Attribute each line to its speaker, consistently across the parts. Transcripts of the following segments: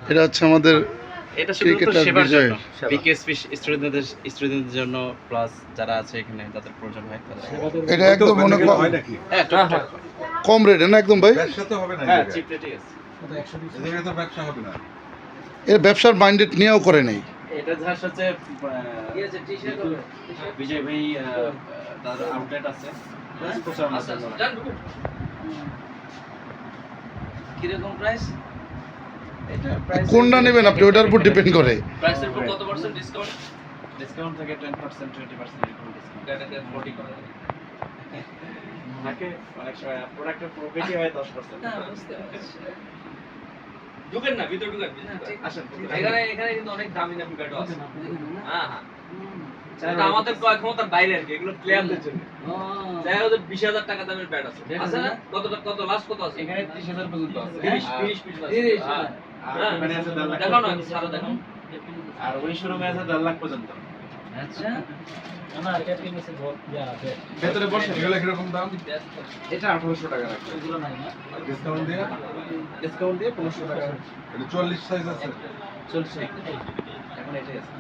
Speaker 1: এটা হচ্ছে আমাদের
Speaker 2: এটা শুধুমাত্র
Speaker 1: ক্রিকেটার
Speaker 2: সেবার
Speaker 1: বিজয়।
Speaker 2: জন্য, বিকেএসপি স্টুডেন্টদের জন্য, প্লাস যারা আছে এখানে যাদের প্রয়োজন হয় তাদের।
Speaker 1: এটা একদম মনে
Speaker 3: হয় নাকি?
Speaker 2: হ্যাঁ, টুকটাক।
Speaker 1: কম রেটে না একদম ভাই?
Speaker 3: ব্যবসা তো হবে না
Speaker 2: হ্যাঁ,
Speaker 3: এই
Speaker 2: চিপ রেটে আছে।
Speaker 3: জায়গায় তো ব্যবসা হবে না।
Speaker 1: এর ব্যবসার মাইন্ডেড নিয়েও করে নেই।
Speaker 2: এটা যার সাথে বিজয় ভাই তার আউটলেট আছে। প্রচারণার জন্য।
Speaker 4: কিরকম প্রাইস?
Speaker 2: এটা প্রাইস
Speaker 1: কোনটা নেবেন আপনি ওটার উপর ডিপেন্ড করে।
Speaker 4: প্রাইসের উপর কত পার্সেন্ট ডিসকাউন্ট?
Speaker 2: ডিসকাউন্ট থাকে 10%, 20% এরকম ডিসকাউন্ট।
Speaker 4: এটাকে 40 করে দেন।
Speaker 2: থাকে অনেক সময় প্রোডাক্টের প্রফিটই হয় 10%।
Speaker 4: না, বুঝতে পারছি। ঢুকেন না, ভিতরে ঢুকেন।
Speaker 2: আসেন।
Speaker 4: এখানে কিন্তু অনেক দামি দামি ব্যাটও আছে। হ্যাঁ, হ্যাঁ। এটা আমাদের ক্রয় ক্ষমতার বাইরে আর কি, এগুলো প্লেয়ারদের জন্য। দেখা যাচ্ছে 20,000 টাকা দামের ব্যাট আছে। আছে না? কত লাস্ট কত আছে?
Speaker 2: এখানে 30,000 পর্যন্ত আছে।
Speaker 4: 30 পিস আছে।
Speaker 2: 30, হ্যাঁ। আর এখানে আছে 1.5 লাখ।
Speaker 4: দেখাও না, ছাড়ো দেখাও।
Speaker 2: আর ওই শোরুমে আছে 1.5 লাখ পর্যন্ত।
Speaker 4: আচ্ছা।
Speaker 2: ভেতরে বসে
Speaker 3: এগুলো কিরকম দাম?
Speaker 2: এটা 1800 টাকা রাখছে।
Speaker 3: ডিসকাউন্ট দিয়ে?
Speaker 2: ডিসকাউন্ট দিয়ে 1500 টাকা
Speaker 3: এটা 44 সাইজ আছে।
Speaker 2: চলছে। এখন এটাই আছে।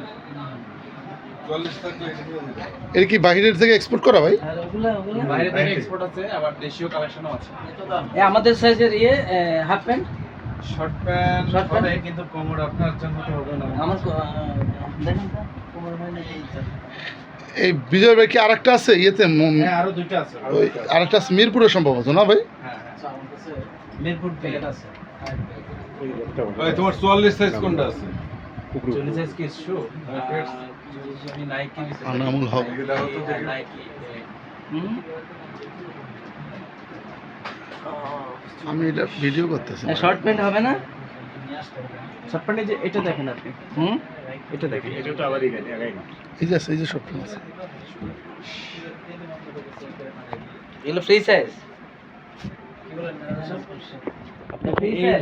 Speaker 3: 44 থাকলে এটা দিয়ে দিতে হবে।
Speaker 1: এর কি বাহিরের থেকে এক্সপোর্ট করা ভাই?
Speaker 4: আর ওগুলা
Speaker 2: বাইরে থেকে এক্সপোর্ট আছে, আবার দেশীয় কালেকশনও আছে।
Speaker 4: আমাদের সাইজের half pant
Speaker 2: short pant
Speaker 4: Short pant?
Speaker 2: হবে, কিন্তু কোমর আপনার জন্য তো হবে না।
Speaker 4: আমার দেখেন তো কোমর হয় না এই যে।
Speaker 1: এই বিজয় ভাই কি আরেকটা আছে ইয়েতে
Speaker 2: হ্যাঁ, আরো দুইটা আছে।
Speaker 1: ওই আরেকটা আছে মিরপুরে সম্ভবত না ভাই?
Speaker 2: হ্যাঁ, মিরপুর প্যাকেট আছে।
Speaker 3: ভাই তোমার 44 সাইজ কোনটা আছে?
Speaker 2: 40 সাইজ কি শু? আমি নাইকি দিছি।
Speaker 1: আনামুল হক।
Speaker 3: এগুলো তো দেখি।
Speaker 2: নাইকি।
Speaker 4: হুম?
Speaker 1: আমি এটা ভিডিও করতেছি।
Speaker 4: শর্ট প্যান্ট হবে না?
Speaker 2: শর্ট প্যান্টে যে এটা দেখেন আপনি।
Speaker 4: হুম?
Speaker 2: এটা দেখেন। এটা তো আবার এখানে আগাই না।
Speaker 1: এই যে আছে, এই যে সব আছে।
Speaker 4: এগুলো ফ্রি সাইজ? আপনি ফ্রি সাইজ?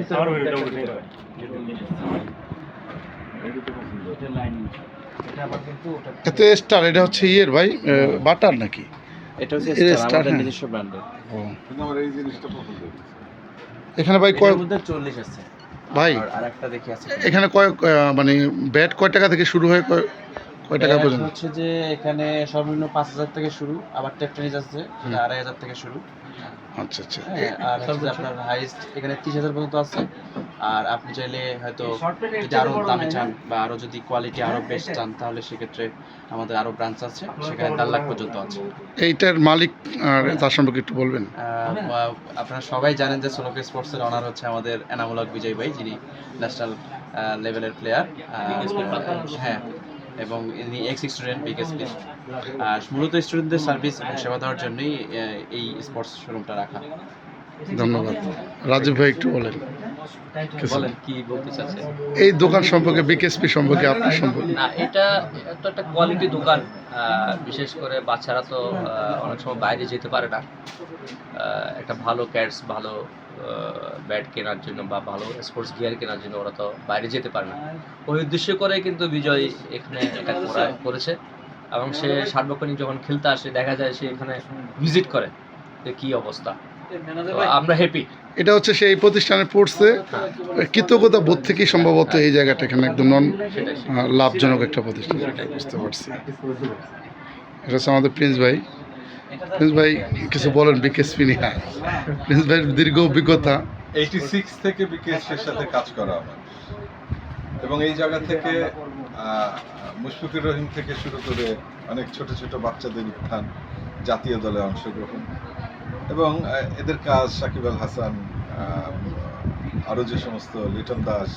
Speaker 2: এটা লাইনিং। এটা আবার কিন্তু ওটা
Speaker 1: এতে স্টার এটা হচ্ছে ইয়ের ভাই বাটার নাকি?
Speaker 2: এটা হচ্ছে
Speaker 1: এটা
Speaker 2: স্টার,
Speaker 1: Star,
Speaker 2: আমাদের
Speaker 1: হ্যাঁ।
Speaker 2: নিজস্ব ব্র্যান্ডের।
Speaker 1: ও
Speaker 3: কিন্তু আমার এই জিনিসটা পছন্দ হয়েছে।
Speaker 1: এখানে ভাই কয়
Speaker 2: এর মধ্যে 40 আছে।
Speaker 1: ভাই
Speaker 2: আর আরেকটা দেখি আছে।
Speaker 1: এখানে কয় মানে ব্যাট কয় টাকা থেকে শুরু হয় কয় টাকা
Speaker 2: ব্যাট
Speaker 1: পর্যন্ত?
Speaker 2: হচ্ছে যে এখানে সর্বনিম্ন 5,000 থেকে শুরু, আবার টেপ টেনিস আছে যেটা 2,500 থেকে শুরু।
Speaker 1: আচ্ছা আচ্ছা।
Speaker 2: হ্যাঁ, আর হচ্ছে যে আপনার হাইস্ট এখানে 30,000 পর্যন্ত আছে। আর আপনি চাইলে হয়তো যদি আরো দামে চান বা আরো যদি কোয়ালিটি আরো বেস্ট চান, তাহলে সেক্ষেত্রে আমাদের আরো ব্রাঞ্চ আছে, সেখানে 1.5 লাখ পর্যন্ত আছে।
Speaker 1: এইটার মালিক আর তার সম্পর্কে একটু বলবেন?
Speaker 2: আপনারা সবাই জানেন যে সোলোকে স্পোর্টসের অনার হচ্ছে আমাদের এনামুল হক বিজয় ভাই, যিনি ন্যাশনাল লেভেলের প্লেয়ার। হ্যাঁ, এবং ইনি এক্স স্টুডেন্ট বিকেএসপি। আর মূলত স্টুডেন্টদের সার্ভিস এবং সেবা দেওয়ার জন্যই এই স্পোর্টস শোরুমটা রাখা।
Speaker 1: ধন্যবাদ। রাজীব ভাই একটু বলেন। কিছু।
Speaker 4: বলেন কি বলতে চাচ্ছেন?
Speaker 1: এই দোকান সম্পর্কে বিকেএসপি সম্পর্কে আপনার সম্পর্কে।
Speaker 4: না, এটা তো একটা কোয়ালিটি দোকান। বিশেষ করে বাচ্চারা তো অনেক সময় বাইরে যেতে পারে না। একটা ভালো ক্যাটস, ভালো ব্যাট কেনার জন্য বা ভালো স্পোর্টস গিয়ার কেনার জন্য ওরা তো বাইরে যেতে পারে না। ওই উদ্দেশ্য করে কিন্তু বিজয় এখানে এটা করেছে, এবং সে সার্বক্ষণিক যখন খেলতে আসে দেখা যায় সে এখানে ভিজিট করে যে কী অবস্থা। তো আমরা হ্যাপি।
Speaker 1: এটা হচ্ছে সেই প্রতিষ্ঠানে পড়ছে কৃতজ্ঞতা বোধ থেকেই সম্ভবত এই জায়গাটা এখানে একদম লাভজনক একটা প্রতিষ্ঠান, বুঝতে পারছি। এটা হচ্ছে আমাদের প্রিন্স ভাই। প্রিন্স ভাই কিছু বলেন বিকেএসপি নিয়ে। প্রিন্স ভাইয়ের দীর্ঘ অভিজ্ঞতা।
Speaker 3: 86 থেকে বিকেএসপির সাথে কাজ করা আমার, এবং এই জায়গা থেকে মুশফিকুর রহিম থেকে শুরু করে অনেক ছোট ছোট বাচ্চাদের উত্থান, জাতীয় দলে অংশগ্রহণ, এবং এদের কাজ সাকিব আল হাসান, আরও যে সমস্ত লিটন দাস,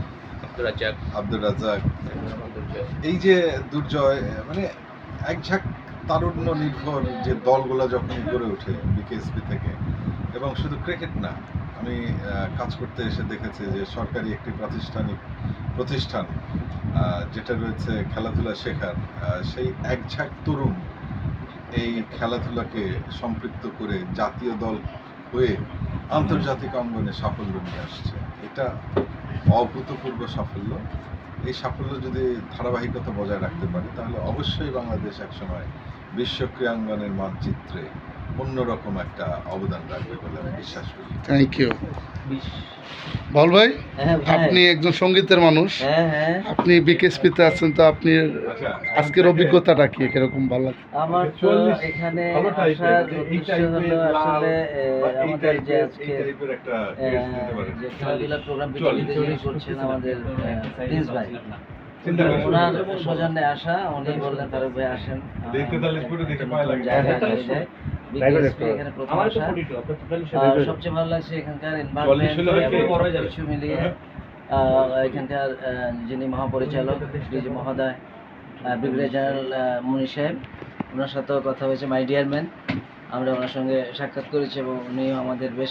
Speaker 3: আব্দুর রাজ্জাক, এই যে দুর্জয়, মানে এক ঝাঁক তারুণ্য নির্ভর যে দলগুলো যখন গড়ে ওঠে বিকেএসপি থেকে, এবং শুধু ক্রিকেট না, আমি কাজ করতে এসে দেখেছি যে সরকারি একটি প্রতিষ্ঠান যেটা রয়েছে খেলাধুলা শেখার, সেই এক ঝাঁক তরুণ এই খেলাধুলাকে সম্পৃক্ত করে জাতীয় দল হয়ে আন্তর্জাতিক অঙ্গনে সাফল্য নিয়ে আসছে। এটা অভূতপূর্ব সাফল্য। এই সাফল্য যদি ধারাবাহিকতা বজায় রাখতে পারে, তাহলে অবশ্যই বাংলাদেশ একসময় বিশ্ব ক্রীড়াঙ্গনের মানচিত্রে অন্যরকম একটা অবদান রাখবে বলে আমি বিশ্বাস করি।
Speaker 1: Thank you. বল ভাই,
Speaker 5: হ্যাঁ ভাই।
Speaker 1: আপনি একজন সঙ্গীতের মানুষ,
Speaker 5: হ্যাঁ
Speaker 1: আপনি বিকেএসপিতে আছেন, তো আপনি আজকের অভিজ্ঞতাটা কি কিরকম ভালো লাগে?
Speaker 5: আমার তো এখানে আসার উদ্দেশ্য হলো আসলে আমাদের যে আজকে যে খেলাধুলা প্রোগ্রাম বিজয়ীদের যিনি করছেন আমাদের প্রিন্স ভাই, ওনার সৌজন্যে আসা। উনি বললেন ফারুক ভাই আসেন, জায়গা হয়ে যায়। BKSP এখানে প্রথম আসা। সবচেয়ে ভালো লাগছে এখানকার এনভায়রনমেন্ট কিছু মিলিয়ে। এখানকার যিনি মহাপরিচালক ডিজি মহোদয়, ব্রিগেডিয়ার জেনারেল মুনি সাহেব, ওনার সাথেও কথা হয়েছে, মাই ডিয়ার ম্যান। আমরা ওনার সঙ্গে সাক্ষাৎ করেছি এবং উনিও আমাদের বেশ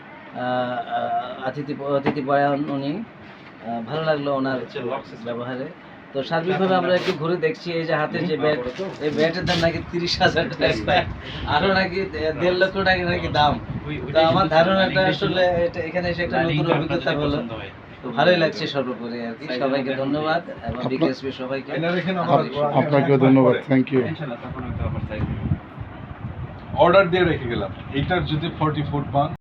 Speaker 5: অতিথিপরায়ণ উনি। ভালো লাগলো ওনার ব্যবহারে। তো সার্বিকভাবে আমরা একটু ঘুরে দেখছি, এই যে হাতের যে ব্যাট, এই ব্যাটের দাম নাকি 30,000 টাকা, আরও নাকি 1.5 লক্ষ টাকা নাকি দাম। তো আমার ধারণাটা আসলে এখানে এসে একটা নতুন অভিজ্ঞতা হলো। তো ভালোই লাগছে সর্বোপরি আর কি। সবাইকে ধন্যবাদ এবং বিকেএসপি সবাইকে।
Speaker 1: আপনাকেও ধন্যবাদ, থ্যাংক ইউ।
Speaker 3: অর্ডার দিয়ে রেখে গেলাম, এইটার যদি 40 ফুট পান